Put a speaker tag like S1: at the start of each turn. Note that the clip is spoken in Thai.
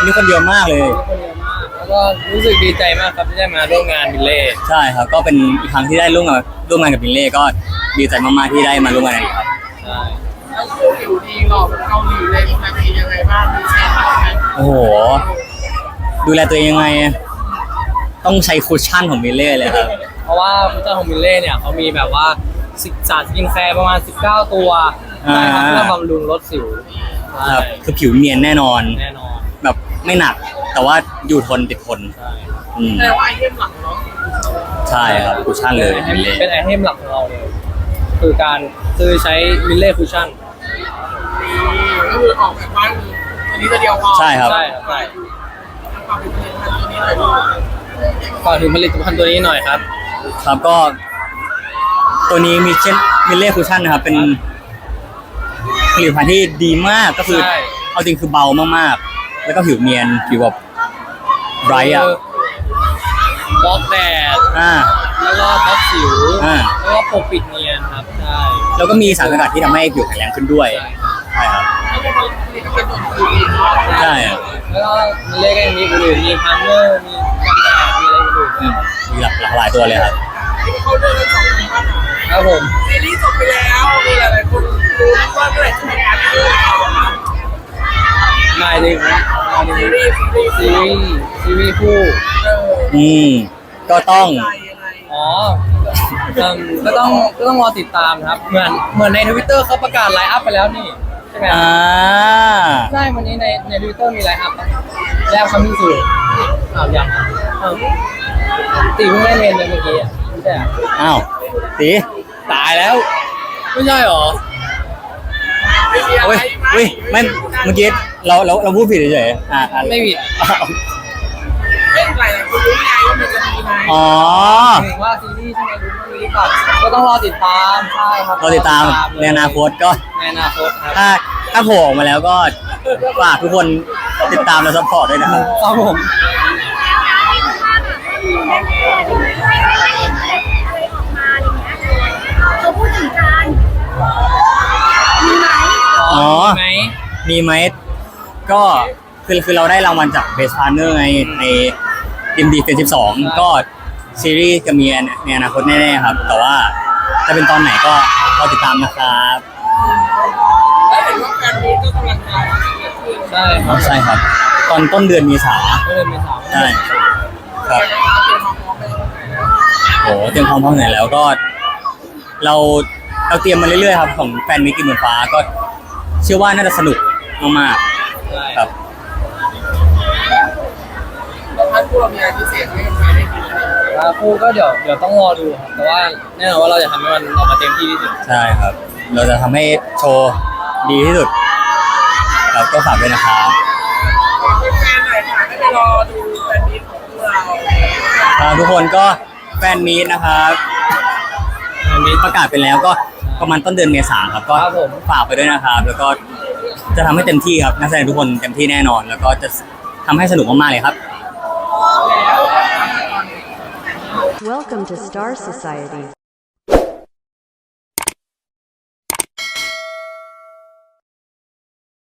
S1: นี้คนเยอะมากเลย
S2: คนเยอะมากแล้วก็รู้สึกดีใจมากครับที่ได้มาร่วมงานบิลเล่
S1: ใช่ครับก็เป็นอีกครั้งที่ได้ร่วมงานกับบิลเล่ก็ดีใจมากๆที่ได้มาร่วมงานกันครับ
S2: ใช่
S3: แล้วคือผิวดีหล่อแบบเกาหลีเลยมีความดียังไงบ้างมีแชร์บ้างไหม
S1: โอ้โหดูแลตัวเองยังไงต้องใช้คุชชั่นของบิลเล่เลยครับ
S2: เพราะว่าพุทธของบิลเล่เนี่ยเขามีแบบว่าสารสกินแคร์ประมาณ19ตัวใช่ครับเพื่อบำรุงลดสิว
S1: ครับคือผิวเนียนแน่นอนแบบไม่หนักแต่ว่าอยู่ทนติดทน
S3: แต่ว่าไอเทมหลักเนาะ
S1: ใช่ครับคุชชั่นเลย
S2: เป็นไอเทมหลักของเราเลยคือการใช้บิลเล่คุชชั่น
S3: ก็คือออกแบบว่าตัวนี้ตัวเดียวพอ
S1: ใช่ครับ
S2: ฝากถึงผลิตภัณฑ์ตัวนี้หน่อยครับ
S1: ครับก็ตัวนี้มีบิลเล่คุชชั่นนะครับเป็นผลิตภัณฑ์ที่ดีมากก็คือเอาจริงคือเบามากๆแล้วก็ผิวเนียนผิวแบบไบรท์
S2: บล็อกแดดแล้วก็บล็อกสิวแล้วก็ปกปิดเนียนครับใช่
S1: แล้วก็มีสารสกัดที่ทำให้ผิวแข็งแรงขึ้นด้วยใช่ครับใช่
S2: แล้วก็มีเลขมีอื่นมีพันเนอร์มีกันแดดมีอะไรอื่น
S1: มีหลากหลายตัวเลยครับ
S3: เขาเดินกัน2 ปีป่ะ
S2: ครับผม
S3: ซีรีส์จบไปแล้วมีหลายๆคนรู้ว่าเมื่อไหร่จะมีงานคู่
S2: ไม่เลยซีรีส์คู่
S1: ก็ต้อง
S2: ก็ต้องรอติดตามครับเหมือนใน Twitter เขาประกาศไลน์อัพไปแล้วนี่ใช่ไหมใช่วันนี้ใน Twitter มีไลน์อัพแล้วคำพิสูจน์ยังตีเพิ่งได้เรียนเลยเมื่อกี้ไม่ใช่
S1: อ้าวตี
S2: ตายแล้วไม่ใช่หรอ
S1: เฮ้ยไม่เมื่อกี้เราพูดผิดเฉยๆ
S2: ไม่ผิด
S3: เล่นหลายคนรู้ไงว่ามันจะมีไหม
S2: ถึงว่าซีรีส์ใช่ไหมรู้ว่ามีก่อนก็ต้องรอติดตามใช่ครับ
S1: รอติดตามในอนาคตก็
S2: ในอนาคตครับ
S1: ถ้าโผล่ออกมาแล้วก็ฝากทุกคนติดตามและซัพพอร์ตด้วยนะครับ
S2: ครับผม
S4: เขาพูดถึงการมี
S1: ไหมก็คือเราได้รางวัลจาก Best Partner ใน MD Fan 12ก็ซีรีส์จะมีในอนาคตแน่ๆครับแต่ว่าจะเป็นตอนไหนก็รอติดตามนะครับ
S3: แล้วเห็นว่าแฟนมีก็กำลังมา
S1: ใช่ครับตอนต้นเดือนเมษาใช่ครับโอ้เตรียมความพร้อมไหนแล้วก็เราเตรียมมาเรื่อยๆครับของแฟนมิตรกินเหมือนฟ้าก็เชื่อว่าน่าจะสนุกมากๆครับ
S3: แล้วท่านผู้เรามีอะไรพิเศษให้ใครได้กิน
S2: คู่ก็เดี๋ยวต้องรอดูครับแต่ว่าแน่นอนว่าเราจะทำให้มันออกมาเต็มที่ที่สุด
S1: ใช่ครับเราจะทำให้โชว์ดีที่สุดครับก็ฝากด้วยนะครับ
S3: แฟนหน่อยค่ะให้ไปรอดูแฟนมีตของเรา
S1: ทุกคนก็แฟนมีตนะครับมีประกาศไปแล้วก็ประมาณต้นเดือนเมษายนครับก็ฝากไปด้วยนะครับแล้วก็จะทำให้เต็มที่ครับนักแสดงทุกคนเต็มที่แน่นอนแล้วก็จะทำให้สนุกมากๆเลยครับ
S4: Welcome to Star Society